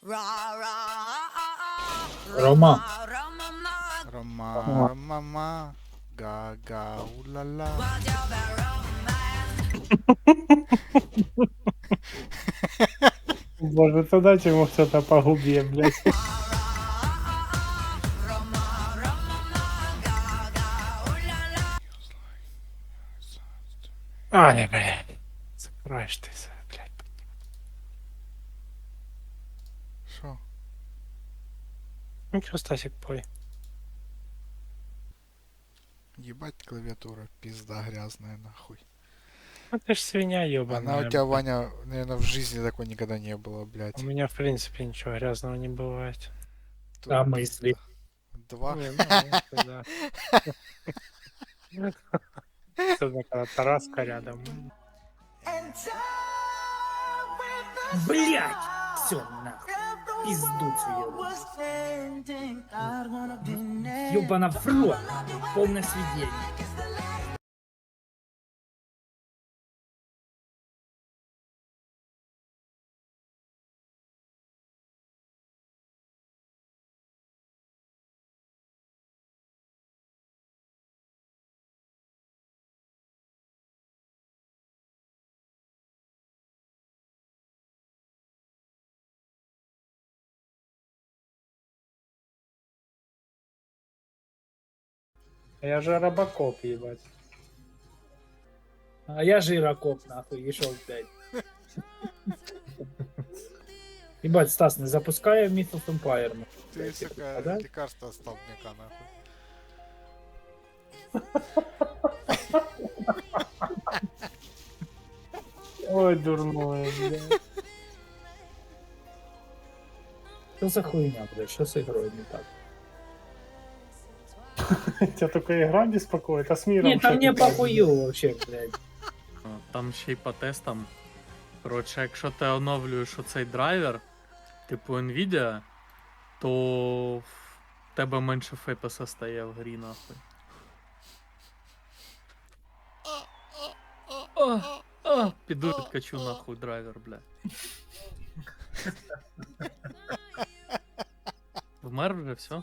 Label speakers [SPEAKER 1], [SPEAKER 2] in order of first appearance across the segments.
[SPEAKER 1] Рома.
[SPEAKER 2] Рома,
[SPEAKER 1] О.
[SPEAKER 2] Ромама, га-га, ула-ла.
[SPEAKER 1] Боже, то дайте ему кто-то по губе, блядь. Ай, блядь. Закроешь ты, блядь.
[SPEAKER 2] Шо?
[SPEAKER 1] Ну чё, Стасик, пой.
[SPEAKER 2] Ебать клавиатура, пизда грязная нахуй.
[SPEAKER 1] Ну ты ж свинья
[SPEAKER 2] Она у
[SPEAKER 1] ёбаная,
[SPEAKER 2] тебя,
[SPEAKER 1] блядь.
[SPEAKER 2] Ваня, наверное, в жизни такой никогда не было,
[SPEAKER 1] У
[SPEAKER 2] блядь.
[SPEAKER 1] меня, в принципе, ничего грязного не бывает.
[SPEAKER 2] Тут
[SPEAKER 1] А мысли?
[SPEAKER 2] пизда. Два.
[SPEAKER 1] Не, ну, мысли, да. Особенно, когда Тараска рядом. Блять! Все, нахуй. Пиздуцу ёбаный. Ёбана в рот. Полное сведение. Я же робокоп, ебать. А я жирокоп, нахуй, и шел, блядь. Ебать, Стас, не запускай Myth of Empire.
[SPEAKER 2] Ты, сука,
[SPEAKER 1] Да?
[SPEAKER 2] лекарство столбняка, нахуй.
[SPEAKER 1] Ой, дурное, блядь. Что за хуйня, блядь? Что с игрой не так? Тебя только игра беспокоит, а с миром
[SPEAKER 3] Ні, там
[SPEAKER 1] что
[SPEAKER 3] не
[SPEAKER 1] ты так,
[SPEAKER 3] похую вообще, блядь.
[SPEAKER 4] Там ще й по тестам. Коротше, якщо ти оновлюєш оцей драйвер, типу Nvidia, то в тебе менше фепеса стає в грі, нахуй. Піду відкачу нахуй драйвер, бля. Вмер вже, все?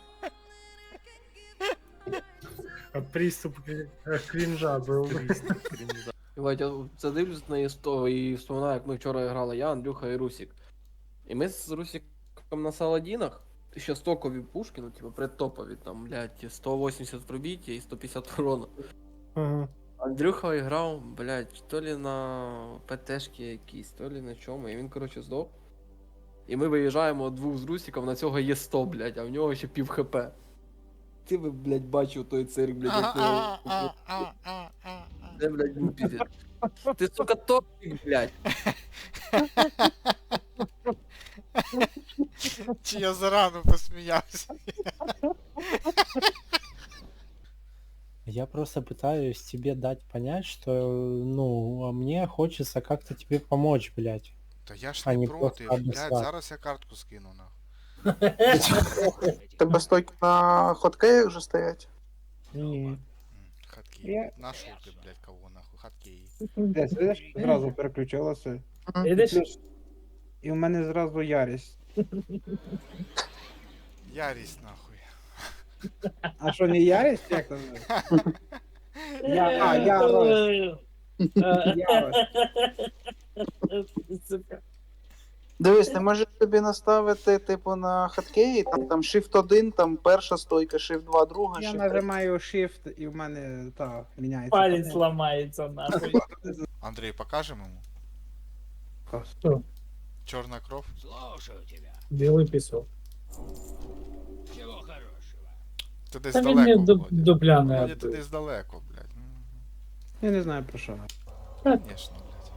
[SPEAKER 1] От приступ кринжа был.
[SPEAKER 5] Єбать, я це дивлюсь на ІСТО і вспоминаю, як ми вчора грали я, Андрюха і Русік. І ми з Русіком на Саладінах, ще стокові пушки, ну типу предтопові, там, блядь, 180 пробиття і 150 урона.
[SPEAKER 1] Ага.
[SPEAKER 5] Андрюха грав, блядь, то ли на ПТшки якісь, то ли на чому, і він, коротше, здох. І ми виїжджаємо двох з Русіком, на цього є 100, блядь, а в нього ще пів хп. Ти би, блядь, бачив той цирк, блядь, як його... Це, блядь, ну пиздец. Ти, сука, топик, блядь.
[SPEAKER 2] Чи я зарано посміявся?
[SPEAKER 6] Я просто пытаюсь тебе дать понять, что, ну, а мне хочется как-то тебе помочь, блядь.
[SPEAKER 2] Та я ж
[SPEAKER 6] А
[SPEAKER 2] не
[SPEAKER 6] не
[SPEAKER 2] проти,
[SPEAKER 6] просто
[SPEAKER 2] блядь,
[SPEAKER 6] обіслати.
[SPEAKER 2] зараз я картку скину, нахуй.
[SPEAKER 7] Тебе стойки на хоткеях вже стоять?
[SPEAKER 1] Не.
[SPEAKER 2] Хаткей. Нашел ты, блядь, кого, нахуй, хаткей.
[SPEAKER 8] Десь, видиш, зразу переключилося.
[SPEAKER 3] Видиш?
[SPEAKER 8] І в мене зразу ярість.
[SPEAKER 2] Ярість, нахуй.
[SPEAKER 8] А що, не ярість? Як там? Ярость. Ярость.
[SPEAKER 3] Сука.
[SPEAKER 7] Дивись, ти можеш собі наставити, типу, на хоткеї, там Shift 1, там перша стойка, Shift 2, друга,
[SPEAKER 8] Я
[SPEAKER 7] Shift 3.
[SPEAKER 8] нажимаю Shift і в мене, міняється.
[SPEAKER 3] Палец ломается, нахуй.
[SPEAKER 2] Андрей, покажем ему?
[SPEAKER 3] Что?
[SPEAKER 2] Черная кровь?
[SPEAKER 3] Белый песок.
[SPEAKER 2] Ти десь
[SPEAKER 3] Та він не
[SPEAKER 2] далеко, Володя.
[SPEAKER 3] дупляний.
[SPEAKER 2] Володя, ти десь далеко, блядь.
[SPEAKER 8] Я не знаю про що.
[SPEAKER 2] Конечно, блядь.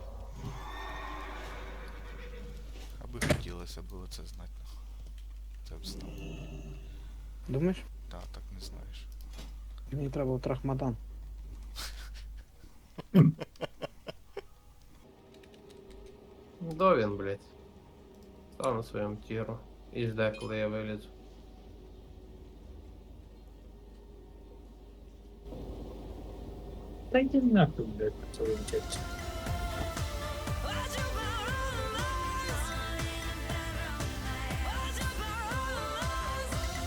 [SPEAKER 2] Аби хотілося було це знати, нахуй. Це б знав.
[SPEAKER 8] Думаєш?
[SPEAKER 2] Да, так не знаєш.
[SPEAKER 8] Мені треба в Трахмадан.
[SPEAKER 9] До він, блядь. Став на своєму тіру. І жде, коли я вилізу.
[SPEAKER 3] Да иди нахуй, блядь, по своим текстам.